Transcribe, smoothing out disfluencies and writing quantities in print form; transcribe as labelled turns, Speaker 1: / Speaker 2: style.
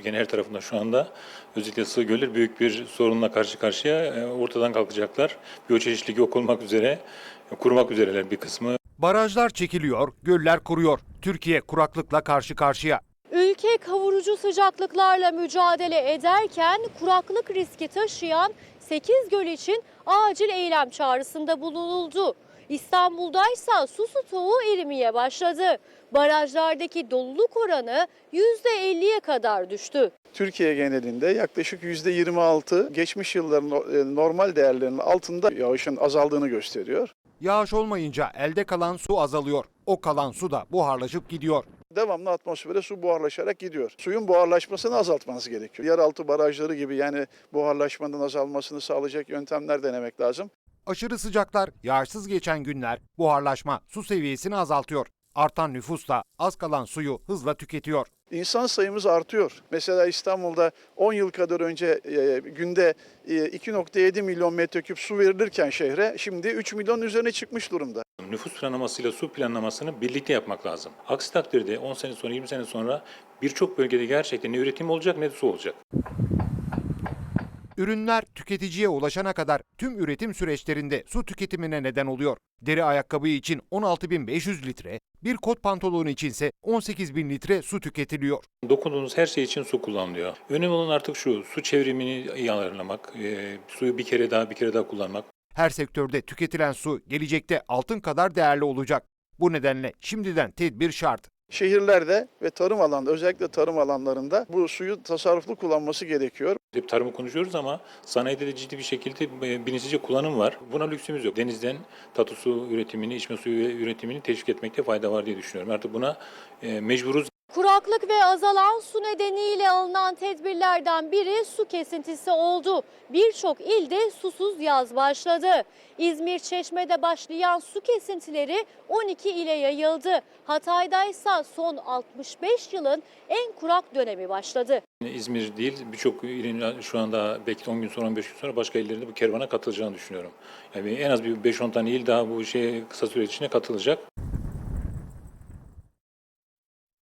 Speaker 1: Türkiye'nin her tarafında şu anda özellikle sığ göller büyük bir sorunla karşı karşıya, ortadan kalkacaklar. Biyoçeşitlilik yok olmak üzere, kurumak üzereler bir kısmı.
Speaker 2: Barajlar çekiliyor, göller kuruyor. Türkiye kuraklıkla karşı karşıya.
Speaker 3: Ülke kavurucu sıcaklıklarla mücadele ederken kuraklık riski taşıyan 8 göl için acil eylem çağrısında bulunuldu. İstanbul'daysa su stoğu erimeye başladı. Barajlardaki doluluk oranı %50'ye kadar düştü.
Speaker 4: Türkiye genelinde yaklaşık %26 geçmiş yılların normal değerlerinin altında yağışın azaldığını gösteriyor.
Speaker 2: Yağış olmayınca elde kalan su azalıyor. O kalan su da buharlaşıp gidiyor.
Speaker 4: Devamlı atmosfere su buharlaşarak gidiyor. Suyun buharlaşmasını azaltmanız gerekiyor. Yeraltı barajları gibi yani buharlaşmanın azalmasını sağlayacak yöntemler denemek lazım.
Speaker 2: Aşırı sıcaklar, yağışsız geçen günler, buharlaşma su seviyesini azaltıyor. Artan nüfus da az kalan suyu hızla tüketiyor.
Speaker 4: İnsan sayımız artıyor. Mesela İstanbul'da 10 yıl kadar önce günde 2,7 milyon metreküp su verilirken şehre şimdi 3 milyon üzerine çıkmış durumda.
Speaker 1: Nüfus planlamasıyla su planlamasını birlikte yapmak lazım. Aksi takdirde 10 sene sonra, 20 sene sonra birçok bölgede gerçekten ne üretim olacak ne de su olacak.
Speaker 2: Ürünler tüketiciye ulaşana kadar tüm üretim süreçlerinde su tüketimine neden oluyor. Deri ayakkabı için 16.500 litre, bir kot pantolonu içinse 18.000 litre su tüketiliyor.
Speaker 1: Dokunduğunuz her şey için su kullanılıyor. Önemli olan artık şu, su çevrimini iyi ayarlamak, suyu bir kere daha kullanmak.
Speaker 2: Her sektörde tüketilen su gelecekte altın kadar değerli olacak. Bu nedenle şimdiden tedbir şart.
Speaker 4: Şehirlerde ve tarım alanında özellikle tarım alanlarında bu suyu tasarruflu kullanması gerekiyor.
Speaker 1: Hep tarımı konuşuyoruz ama sanayide de ciddi bir şekilde bilinçlice kullanım var. Buna lüksümüz yok. Denizden tatlı su üretimini, içme suyu üretimini teşvik etmekte fayda var diye düşünüyorum. Artık buna mecburuz.
Speaker 3: Kuraklık ve azalan su nedeniyle alınan tedbirlerden biri su kesintisi oldu. Birçok ilde susuz yaz başladı. İzmir Çeşme'de başlayan su kesintileri 12 ile yayıldı. Hatay'daysa son 65 yılın en kurak dönemi başladı.
Speaker 1: İzmir değil, birçok ilin şu anda belki 10 gün sonra, 15 gün sonra başka illerinde bu kervana katılacağını düşünüyorum. Yani en az bir 5-10 tane il daha bu şeye kısa süre içinde katılacak.